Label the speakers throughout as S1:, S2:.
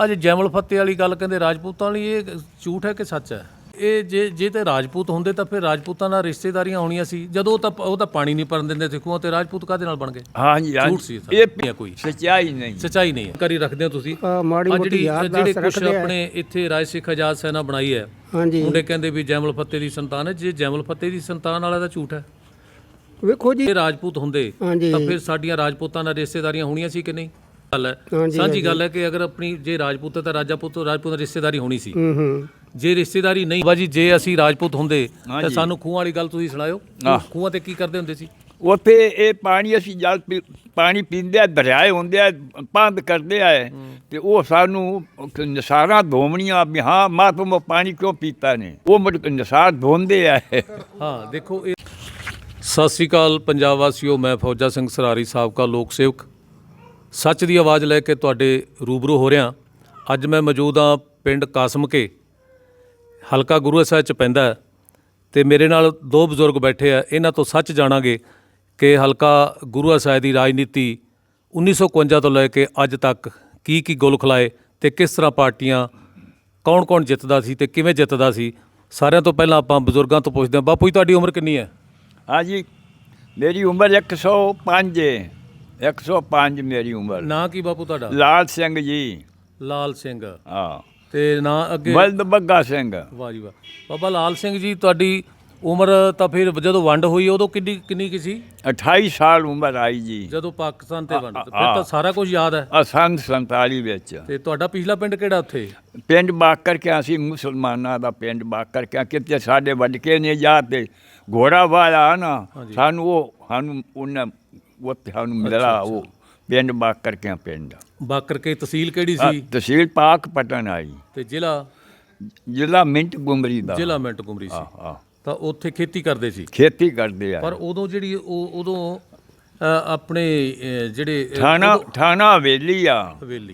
S1: ਅੱਜ ਜੈਮਲ ਫਤਿਹ ਵਾਲੀ ਗੱਲ ਕਹਿੰਦੇ ਰਾਜਪੂਤਾਂ ਵਾਲੀ, ਇਹ ਝੂਠ ਹੈ ਕਿ ਸੱਚ ਹੈ? ਇਹ ਜੇ ਤੇ ਰਾਜਪੂਤ ਹੁੰਦੇ ਤਾਂ ਫਿਰ ਰਾਜਪੂਤਾਂ ਨਾਲ ਰਿਸ਼ਤੇਦਾਰੀਆਂ ਹੋਣੀਆਂ ਸੀ। ਜਦੋਂ ਉਹ ਤਾਂ ਪਾਣੀ ਨਹੀਂ ਭਰਨ ਦਿੰਦੇ ਸਿੱਖੂਆਂ, ਤੇ ਰਾਜਪੂਤ ਕਾਹਦੇ ਨਾਲ ਬਣ ਗਏ?
S2: ਹਾਂਜੀ
S1: ਝੂਠ ਸੀ
S2: ਇਹ
S1: ਕੋਈ
S2: ਸੱਚਾਈ ਨਹੀਂ,
S1: ਸੱਚਾਈ ਨਹੀਂ ਹੈ। ਕਰੀ ਰੱਖਦੇ ਹੋ ਤੁਸੀਂ ਜਿਹੜੇ ਕੁਛ ਆਪਣੇ ਇੱਥੇ ਰਾਜ ਸਿੱਖ ਆਜ਼ਾਦ ਸੈਨਾ ਬਣਾਈ ਹੈ, ਮੁੰਡੇ ਕਹਿੰਦੇ ਵੀ ਜੈਮਲ ਫਤਿਹ ਦੀ ਸੰਤਾਨ ਹੈ। ਜੇ ਜੈਮਲ ਫਤਿਹ ਦੀ ਸੰਤਾਨ ਵਾਲਾ ਤਾਂ ਝੂਠ ਹੈ।
S3: ਵੇਖੋ ਜੀ,
S1: ਰਾਜਪੂਤ ਹੁੰਦੇ ਤਾਂ ਫਿਰ ਸਾਡੀਆਂ ਰਾਜਪੂਤਾਂ ਨਾਲ ਰਿਸ਼ਤੇਦਾਰੀਆਂ ਹੋਣੀਆਂ ਸੀ ਕਿ ਨਹੀਂ? ਗੱਲ ਹੈ, ਸਾਂਝੀ ਗੱਲ ਹੈ ਕਿ ਅਗਰ ਆਪਣੀ ਜੇ ਰਾਜਪੂਤ ਹੈ ਤਾਂ ਰਾਜਪੂਤ ਨਾਲ ਰਿਸ਼ਤੇਦਾਰੀ ਹੋਣੀ ਸੀ। ਜੇ ਰਿਸ਼ਤੇਦਾਰੀ ਨਹੀਂ ਬਾਜੀ, ਜੇ ਅਸੀਂ ਰਾਜਪੂਤ ਹੁੰਦੇ ਤਾਂ ਸਾਨੂੰ ਖੂਹਾਂ ਵਾਲੀ ਗੱਲ ਤੁਸੀਂ ਸੁਣਾਇਓ। ਖੂਹਾਂ ਤੇ ਕੀ ਕਰਦੇ ਹੁੰਦੇ ਸੀ?
S2: ਉੱਥੇ ਇਹ ਪਾਣੀ ਅਸੀਂ ਜਲ ਪਾਣੀ ਪੀਂਦੇ ਆ, ਦਰਿਆਏ ਹੁੰਦੇ ਆ, ਬੰਦ ਕਰਦੇ ਆ, ਤੇ ਉਹ ਸਾਨੂੰ ਨਸਾਰਾਂ ਧੋਵਣੀਆਂ ਵੀ ਹਾਂ ਮਾਂ ਤੁਮ ਪਾਣੀ ਕਿਉਂ ਪੀਤਾ ਨੇ, ਉਹ ਮੁੜ ਨਸਾਰ ਧੋਂਦੇ ਆ।
S1: ਹਾਂ ਦੇਖੋ, ਇਹ ਸਤਿ ਸ਼੍ਰੀ ਅਕਾਲ ਪੰਜਾਬ ਵਾਸੀਓ, ਮੈਂ ਫੌਜਾ ਸਿੰਘ ਸਰਾਰੀ, ਸਾਬਕਾ ਲੋਕ ਸੇਵਕ, ਸੱਚ ਦੀ ਆਵਾਜ਼ ਲੈ ਕੇ ਤੁਹਾਡੇ ਰੂਬਰੂ ਹੋ ਰਿਹਾ। ਅੱਜ ਮੈਂ ਮੌਜੂਦ ਹਾਂ ਪਿੰਡ ਕਾਸਮਕੇ, ਹਲਕਾ ਗੁਰੂ ਸਾਹਿਬ 'ਚ ਪੈਂਦਾ, ਅਤੇ ਮੇਰੇ ਨਾਲ ਦੋ ਬਜ਼ੁਰਗ ਬੈਠੇ ਆ। ਇਹਨਾਂ ਤੋਂ ਸੱਚ ਜਾਣਾਂਗੇ ਕਿ ਹਲਕਾ ਗੁਰੂ ਸਾਹਿਬ ਦੀ ਰਾਜਨੀਤੀ 1951 ਤੋਂ ਲੈ ਕੇ ਅੱਜ ਤੱਕ ਕੀ ਗੁਲ ਖਿਲਾਏ, ਅਤੇ ਕਿਸ ਤਰ੍ਹਾਂ ਪਾਰਟੀਆਂ ਕੌਣ ਜਿੱਤਦਾ ਸੀ ਅਤੇ ਕਿਵੇਂ ਜਿੱਤਦਾ ਸੀ। ਸਾਰਿਆਂ ਤੋਂ ਪਹਿਲਾਂ ਆਪਾਂ ਬਜ਼ੁਰਗਾਂ ਤੋਂ ਪੁੱਛਦੇ ਹਾਂ। ਬਾਪੂ ਜੀ, ਤੁਹਾਡੀ ਉਮਰ ਕਿੰਨੀ ਹੈ?
S2: ਹਾਂਜੀ, ਮੇਰੀ ਉਮਰ 105 ਹੈ। 105 ਮੇਰੀ ਉਮਰ।
S1: ਨਾਂ ਕੀ ਬਾਪੂ ਤੁਹਾਡਾ?
S2: ਲਾਲ ਸਿੰਘ ਜੀ।
S1: ਲਾਲ ਸਿੰਘ।
S2: ਹਾਂ।
S1: ਤੇ ਨਾਂ ਅੱਗੇ?
S2: ਬਲਦ ਬੱਗਾ ਸਿੰਘ।
S1: ਵਾਹ ਜੀ ਵਾਹ। ਬਾਬਾ ਲਾਲ ਸਿੰਘ ਜੀ, ਤੁਹਾਡੀ ਉਮਰ ਤਾਂ ਫਿਰ ਜਦੋਂ ਵੰਡ ਹੋਈ ਉਦੋਂ ਕਿੰਨੀ ਕੀ ਸੀ?
S2: 28 ਸਾਲ ਉਮਰ ਆਈ ਜੀ,
S1: ਜਦੋਂ ਪਾਕਿਸਤਾਨ ਤੇ ਵੰਡ। ਫਿਰ ਤਾਂ ਸਾਰਾ ਕੁਝ ਯਾਦ ਹੈ।
S2: ਸੰਨ 47 ਵਿੱਚ।
S1: ਤੇ ਤੁਹਾਡਾ ਪਿਛਲਾ ਪਿੰਡ ਕਿਹੜਾ ਉੱਥੇ?
S2: ਪਿੰਡ ਬਾਕਰ ਕੇ, ਅਸੀਂ ਮੁਸਲਮਾਨਾਂ ਦਾ ਪਿੰਡ ਬਾਕਰ ਕੇ। ਕਿਤੇ ਸਾਡੇ ਵਡਕੇ ਨੇ ਜਾ ਤੇ ਘੋੜਾ ਵਾਲਾ ਨਾ ਸਾਨੂੰ ਉਹਨਾਂ ਉੱਥੇ ਸਾਨੂੰ ਮਿਲਿਆ, ਉਹ ਪਿੰਡ ਬਾਕਰ ਕੇ ਪਿੰਡ।
S1: ਬਾਕਰ ਕੇ ਤਹਿਸੀਲ ਕਿਹੜੀ ਸੀ?
S2: ਤਹਿਸੀਲ ਪਾਕਪਟਨ ਆਈ, ਤੇ ਜ਼ਿਲ੍ਹਾ ਮਿੰਟ ਗੁਮਰੀ ਦਾ।
S1: ਜ਼ਿਲ੍ਹਾ ਮਿੰਟ ਗੁਮਰੀ ਸੀ। ਤਾਂ ਉੱਥੇ ਖੇਤੀ ਕਰਦੇ ਸੀ?
S2: ਖੇਤੀ ਕਰਦੇ ਆ।
S1: ਪਰ ਉਦੋਂ ਜਿਹੜੀ ਉਦੋਂ ਆਪਣੇ ਜਿਹੜੇ
S2: ਥਾਣਾ ਹਵੇਲੀ ਆ।
S1: ਹਵੇਲੀ,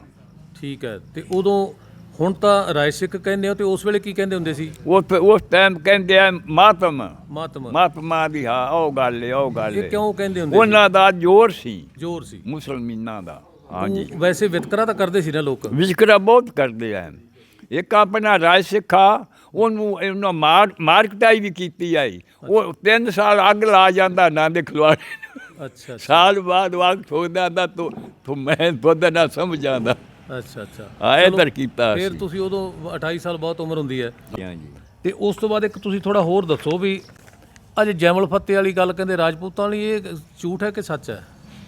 S1: ਠੀਕ ਹੈ। ਤੇ ਉਦੋਂ, ਹੁਣ ਤਾਂ ਰਾਏ ਸਿੱਖ ਕਹਿੰਦੇ ਹੋ, ਤੇ ਉਸ ਵੇਲੇ ਕੀ ਕਹਿੰਦੇ ਹੁੰਦੇ ਸੀ?
S2: ਉਸ ਟਾਈਮ ਕਹਿੰਦੇ ਆ ਮਾਤਮਾ ਦੀ। ਹਾਂ, ਉਹ ਗੱਲ ਹੈ, ਉਹ ਗੱਲ ਹੈ।
S1: ਕਿਉਂ ਕਹਿੰਦੇ ਹੁੰਦੇ?
S2: ਉਹਨਾਂ ਦਾ ਜ਼ੋਰ ਸੀ ਮੁਸਲਮਾਨਾਂ ਦਾ। ਹਾਂਜੀ,
S1: ਵੈਸੇ ਵਿਤਕਰਾ ਤਾਂ ਕਰਦੇ ਸੀ ਨਾ ਲੋਕ?
S2: ਵਿਤਕਰਾ ਬਹੁਤ ਕਰਦੇ ਆ। ਇੱਕ ਆਪਣਾ ਰਾਏ ਸਿੱਖ ਆ, ਉਹਨੂੰ ਮਾਰ ਕੁਟਾਈ ਵੀ ਕੀਤੀ ਆਈ। ਉਹ 3 ਸਾਲ ਅੱਗ ਲਾ ਜਾਂਦਾ ਨਾ ਦੇ ਖਿਲਵਾੜੇ। ਅੱਛਾ। ਸਾਲ ਬਾਅਦ ਵਾਕ ਠੋਕਦਾ ਆਂਦਾ ਤੂੰ ਮੈਂ ਤੁਹਾਡਾ ਨਾ ਸਮਝ ਆਉਂਦਾ।
S1: ਅੱਛਾ।
S2: ਹਾਂ, ਇੱਧਰ ਕੀਤਾ।
S1: ਫਿਰ ਤੁਸੀਂ ਉਦੋਂ 28 ਸਾਲ ਬਹੁਤ ਉਮਰ ਹੁੰਦੀ ਹੈ।
S2: ਹਾਂਜੀ।
S1: ਤੇ ਉਸ ਤੋਂ ਬਾਅਦ ਇੱਕ ਤੁਸੀਂ ਥੋੜਾ ਹੋਰ ਦੱਸੋ ਵੀ ਅੱਜ ਜੈਮਲ ਫਤਿਹ ਵਾਲੀ ਗੱਲ ਕਹਿੰਦੇ ਰਾਜਪੂਤਾਂ ਵਾਲੀ, ਇਹ ਝੂਠ ਹੈ ਕਿ ਸੱਚ ਹੈ?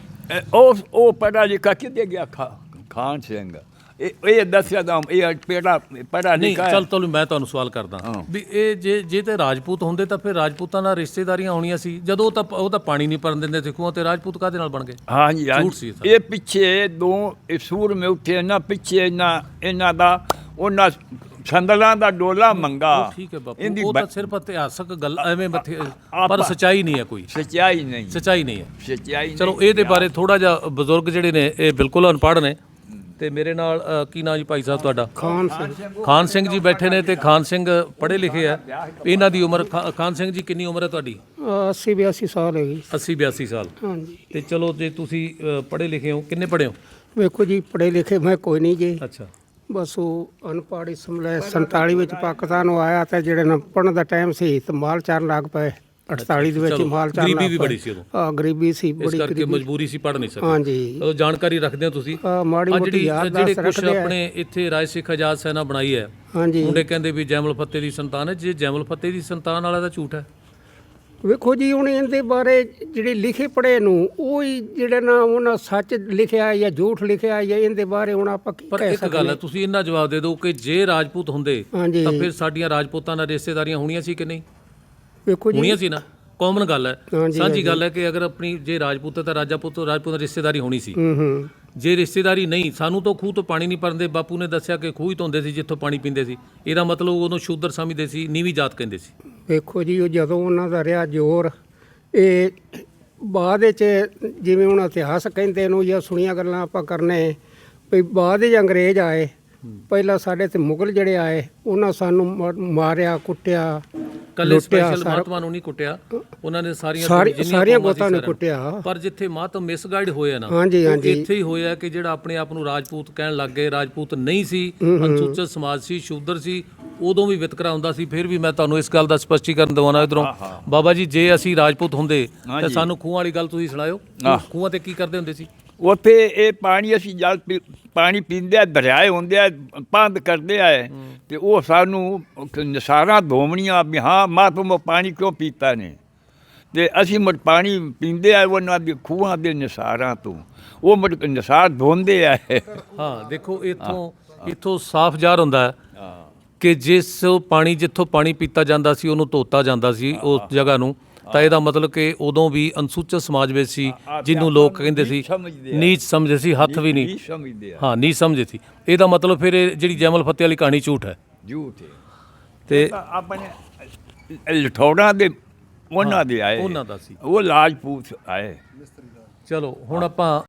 S2: ਉਹ ਪੜ੍ਹਾ ਲਿਖਾ ਕਿਤੇ ਗਿਆ? ਖਾਨ ਸਿੰਘ। ਇਹ ਦੱਸਿਆ ਤਾਂ ਇਹ ਪੜ੍ਹਾ ਲਿਖਾ।
S1: ਚੱਲ ਮੈਂ ਤੁਹਾਨੂੰ ਸਵਾਲ ਕਰਦਾ ਵੀ ਇਹ ਜੇ ਤੇ ਰਾਜਪੂਤ ਹੁੰਦੇ ਤਾਂ ਫਿਰ ਰਾਜਪੂਤਾਂ ਨਾਲ ਰਿਸ਼ਤੇਦਾਰੀਆਂ ਹੋਣੀਆਂ ਸੀ। ਜਦੋਂ ਉਹ ਤਾਂ ਪਾਣੀ ਨਹੀਂ ਭਰਨ ਦਿੰਦੇ ਸਿੱਖੂਆਂ, ਤੇ ਰਾਜਪੂਤ ਕਾਹਦੇ ਨਾਲ ਬਣ ਗਏ?
S2: ਹਾਂਜੀ, ਇਹ ਪਿੱਛੇ ਦੋ ਸੂਰਮੇ ਉੱਠੇ ਨਾ, ਪਿੱਛੇ ਇਹਨਾਂ ਦਾ ਉਹਨਾਂ ਸੰਦਲਾਂ ਦਾ ਡੋਲਾ ਮੰਗਾ।
S1: ਠੀਕ ਹੈ ਬਾਪੂ, ਉਹ ਤਾਂ ਸਿਰਫ ਇਤਿਹਾਸਕ ਗੱਲ ਐਵੇਂ, ਪਰ ਸੱਚਾਈ ਨਹੀਂ ਹੈ ਕੋਈ। ਸੱਚਾਈ ਨਹੀਂ ਹੈ। ਚਲੋ ਇਹਦੇ ਬਾਰੇ ਥੋੜਾ ਜਿਹਾ, ਬਜ਼ੁਰਗ ਜਿਹੜੇ ਨੇ ਇਹ ਬਿਲਕੁਲ ਅਨਪੜ੍ਹ ਨੇ। ਤੇ ਮੇਰੇ ਨਾਲ ਕੀ ਨਾਂ ਜੀ ਭਾਈ ਸਾਹਿਬ ਤੁਹਾਡਾ? ਖਾਨ ਸਿੰਘ ਜੀ ਬੈਠੇ ਨੇ, ਤੇ ਖਾਨ ਸਿੰਘ ਪੜ੍ਹੇ ਲਿਖੇ ਆ। ਇਹਨਾਂ ਦੀ ਉਮਰ, ਖਾਨ ਸਿੰਘ ਜੀ ਕਿੰਨੀ ਉਮਰ ਹੈ ਤੁਹਾਡੀ?
S3: 80-82 ਸਾਲ ਹੈਗੀ।
S1: 80-82 ਸਾਲ। ਹਾਂਜੀ। ਤੇ ਚਲੋ, ਜੇ ਤੁਸੀਂ ਪੜ੍ਹੇ ਲਿਖੇ ਹੋ, ਕਿੰਨੇ ਪੜ੍ਹੇ ਹੋ?
S3: ਵੇਖੋ ਜੀ, ਪੜ੍ਹੇ ਲਿਖੇ ਮੈਂ ਕੋਈ ਨਹੀਂ ਜੀ।
S1: ਅੱਛਾ।
S3: ਬਸ ਉਹ ਅਨਪੜ੍ਹ ਇਸ ਸਮੇਂ 47 ਵਿੱਚ ਪਾਕਿਸਤਾਨ ਨੂੰ ਆਇਆ, ਤੇ ਜਿਹੜੇ ਨਾ ਪੜ੍ਹਨ ਦਾ ਟਾਈਮ ਸੀ ਤੇ ਮਾਲ ਚਾਰਨ ਲੱਗ ਪਏ। 48 ਦੇ ਵਿੱਚ ਮਾਲ ਚਾਰਨ।
S1: ਗਰੀਬੀ ਵੀ ਬੜੀ ਸੀ ਉਦੋਂ।
S3: ਹਾਂ, ਗਰੀਬੀ ਸੀ ਬੜੀ,
S1: ਇਸ ਕਰਕੇ ਮਜਬੂਰੀ ਸੀ, ਪੜ੍ਹ ਨਹੀਂ ਸਕਦੇ।
S3: ਹਾਂਜੀ।
S1: ਉਹ ਜਾਣਕਾਰੀ ਰੱਖਦੇ ਹੋ ਤੁਸੀਂ? ਜਿਹੜੇ ਕੁਛ ਆਪਣੇ ਇੱਥੇ ਰਾਜ ਸਿੱਖ ਆਜ਼ਾਦ ਸੈਨਾ ਬਣਾਈ ਹੈ, ਮੁੰਡੇ ਕਹਿੰਦੇ ਵੀ ਜੈਮਲ ਫਤਿਹ ਦੀ ਸੰਤਾਨ ਹੈ। ਜੇ ਜੈਮਲ ਫਤਿਹ ਦੀ ਸੰਤਾਨ ਵਾਲਾ ਤਾਂ ਝੂਠ ਹੈ।
S3: ਵੇਖੋ ਜੀ, ਹੁਣ ਇਹਦੇ ਬਾਰੇ ਜਿਹੜੇ ਲਿਖੇ ਪੜ੍ਹੇ ਨੂੰ, ਉਹ ਹੀ ਜਿਹੜੇ ਨਾ ਉਹਨਾਂ ਸੱਚ ਲਿਖਿਆ ਜਾਂ ਝੂਠ ਲਿਖਿਆ, ਜਾਂ ਇਹਦੇ ਬਾਰੇ ਹੁਣ ਆਪਾਂ ਕੀ ਕਹਿ ਸਕਦੇ?
S1: ਪਰ ਇੱਕ ਗੱਲ ਹੈ, ਤੁਸੀਂ ਇੰਨਾ ਜਵਾਬ ਦੇ ਦਿਓ ਕਿ ਜੇ ਰਾਜਪੂਤ ਹੁੰਦੇ ਤਾਂ ਫਿਰ ਸਾਡੀਆਂ ਰਾਜਪੂਤਾਂ ਨਾਲ ਰਿਸ਼ਤੇਦਾਰੀਆਂ ਹੋਣੀਆਂ ਸੀ ਕਿ ਨਹੀਂ?
S3: ਵੇਖੋ ਜੀ,
S1: ਹੋਣੀਆਂ ਸੀ ਨਾ। ਕਾਮਨ ਗੱਲ ਹੈ, ਸਾਂਝੀ ਗੱਲ ਹੈ ਕਿ ਅਗਰ ਆਪਣੀ ਜੇ ਰਾਜਪੂਤ ਤਾਂ ਰਾਜਪੂਤ ਨਾਲ ਰਿਸ਼ਤੇਦਾਰੀ ਹੋਣੀ ਸੀ। ਜੇ ਰਿਸ਼ਤੇਦਾਰੀ ਨਹੀਂ, ਸਾਨੂੰ ਤਾਂ ਖੂਹ ਤੋਂ ਪਾਣੀ ਨਹੀਂ ਭਰਦੇ। ਬਾਪੂ ਨੇ ਦੱਸਿਆ ਕਿ ਖੂਹ ਹੀ ਧੋਂਦੇ ਸੀ ਜਿੱਥੋਂ ਪਾਣੀ ਪੀਂਦੇ ਸੀ। ਇਹਦਾ ਮਤਲਬ ਉਦੋਂ ਸ਼ੂਦਰ ਸਮਝਦੇ ਸੀ, ਨੀਵੀਂ ਜਾਤ ਕਹਿੰਦੇ ਸੀ।
S3: ਵੇਖੋ ਜੀ, ਉਹ ਜਦੋਂ ਉਹਨਾਂ ਦਾ ਰਿਹਾ ਜ਼ੋਰ, ਇਹ ਬਾਅਦ ਵਿੱਚ ਜਿਵੇਂ ਹੁਣ ਇਤਿਹਾਸ ਕਹਿੰਦੇ ਨੂੰ ਜਾਂ ਸੁਣੀਆਂ ਗੱਲਾਂ ਆਪਾਂ ਕਰਨੇ ਵੀ ਬਾਅਦ ਵਿੱਚ ਅੰਗਰੇਜ਼ ਆਏ। ਪਹਿਲਾਂ ਸਾਡੇ ਤੇ ਮੁਗਲ ਜਿਹੜੇ ਆਏ, ਉਹਨਾਂ ਸਾਨੂੰ ਮਾਰਿਆ ਕੁੱਟਿਆ,
S1: ਕੱਲੇ
S3: ਲੁੱਟਿਆ
S1: ਸਪੈਸ਼ਲ
S3: ਸਾਰਾ।
S1: ਮਹਾਤਮਾ ਨੂੰ ਨਹੀਂ ਕੁੱਟਿਆ, ਉਹਨਾਂ ਨੇ ਸਾਰੀਆਂ
S3: ਸਾਰੀਆਂ ਗੋਤਾਂ ਨੂੰ ਕੁੱਟਿਆ।
S1: ਪਰ ਜਿੱਥੇ ਮਤ ਮਿਸਗਾਈਡ ਹੋਇਆ ਨਾ,
S3: ਹਾਂਜੀ,
S1: ਉਹ
S3: ਹਾਂਜੀ।
S1: ਇੱਥੇ ਹੀ ਹੋਇਆ ਕਿ ਜਿਹੜਾ ਆਪਣੇ ਆਪ ਨੂੰ ਰਾਜਪੂਤ ਕਹਿਣ ਲੱਗ ਗਏ, ਰਾਜਪੂਤ ਨਹੀਂ ਸੀ, ਅਨੁਸੂਚਿਤ ਸਮਾਜ ਸੀ, ਸ਼ੂਦਰ ਸੀ, ਉਦੋਂ ਵੀ ਵਿਤਕਰਾ ਹੁੰਦਾ ਸੀ। ਫਿਰ ਵੀ ਮੈਂ ਤੁਹਾਨੂੰ ਇਸ ਗੱਲ ਦਾ ਸਪਸ਼ਟੀਕਰਨ ਦਿਵਾਉਣਾ ਇਧਰੋਂ, ਬਾਬਾ ਜੀ ਜੇ ਅਸੀਂ ਰਾਜਪੂਤ ਹੁੰਦੇ ਤਾਂ ਸਾਨੂੰ ਖੂਹਾਂ ਵਾਲੀ ਗੱਲ ਤੁਸੀਂ ਸੁਣਾਇਓ। ਖੂਹਾਂ ਤੇ ਕੀ ਕਰਦੇ ਹੁੰਦੇ ਸੀ?
S2: ਉੱਥੇ ਇਹ ਪਾਣੀ ਅਸੀਂ ਜਲ ਪਾਣੀ ਪੀਂਦੇ ਆ, ਦਰਿਆਏ ਹੁੰਦੇ ਆ, ਬੰਦ ਕਰਦੇ ਆ ਤੇ ਉਹ ਸਾਨੂੰ ਨਿਸਾਰਾਂ ਧੋਵਣੀਆਂ ਵੀ ਹਾਂ ਮਾਤਮ ਪਾਣੀ ਕਿਉਂ ਪੀਤਾ ਨੇ, ਤੇ ਅਸੀਂ ਮੁੜ ਪਾਣੀ ਪੀਂਦੇ ਆ ਉਹਨਾਂ ਦੇ ਖੂਹਾਂ ਦੇ ਨਿਸਾਰਾਂ ਤੋਂ, ਉਹ ਮੁੜ ਨਿਸਾਰ ਧੋਂਦੇ ਆ।
S1: ਹਾਂ ਦੇਖੋ ਇੱਥੋਂ ਸਾਫ਼ ਜ਼ਾਹਰ ਹੁੰਦਾ ਹੈ ਕਿ ਜਿਸ ਪਾਣੀ ਜਿੱਥੋਂ ਪਾਣੀ ਪੀਤਾ ਜਾਂਦਾ ਸੀ ਉਹਨੂੰ ਧੋਤਾ ਜਾਂਦਾ ਸੀ ਉਸ ਜਗ੍ਹਾ ਨੂੰ, ਤਾਂ ਇਹਦਾ ਮਤਲਬ ਕਿ ਉਦੋਂ ਵੀ ਅਨੁਸੂਚਿਤ ਸਮਾਜ ਵਿੱਚ ਸੀ, ਜਿਹਨੂੰ ਲੋਕ ਕਹਿੰਦੇ ਸੀ ਨੀਚ ਸਮਝਦੇ ਸੀ, ਹੱਥ ਵੀ ਨਹੀਂ
S2: ਸਮਝਦੇ ਆ,
S1: ਹਾਂ ਨੀਚ ਸਮਝਦੇ ਸੀ। ਇਹਦਾ ਮਤਲਬ ਫਿਰ ਇਹ ਜਿਹੜੀ ਜੈਮਲ ਫਤਿਹ ਵਾਲੀ ਕਹਾਣੀ ਝੂਠ ਹੈ।
S2: ਝੂਠ ਹੈ।
S1: ਤੇ
S2: ਆਪਣੇ ਲਠੌੜਾਂ ਦੇ ਉਹਨਾਂ ਦੇ ਆਏ,
S1: ਉਹਨਾਂ ਦਾ ਸੀ।
S2: ਉਹ ਰਾਜਪੂਤ ਆਏ।
S1: ਚਲੋ ਹੁਣ ਆਪਾਂ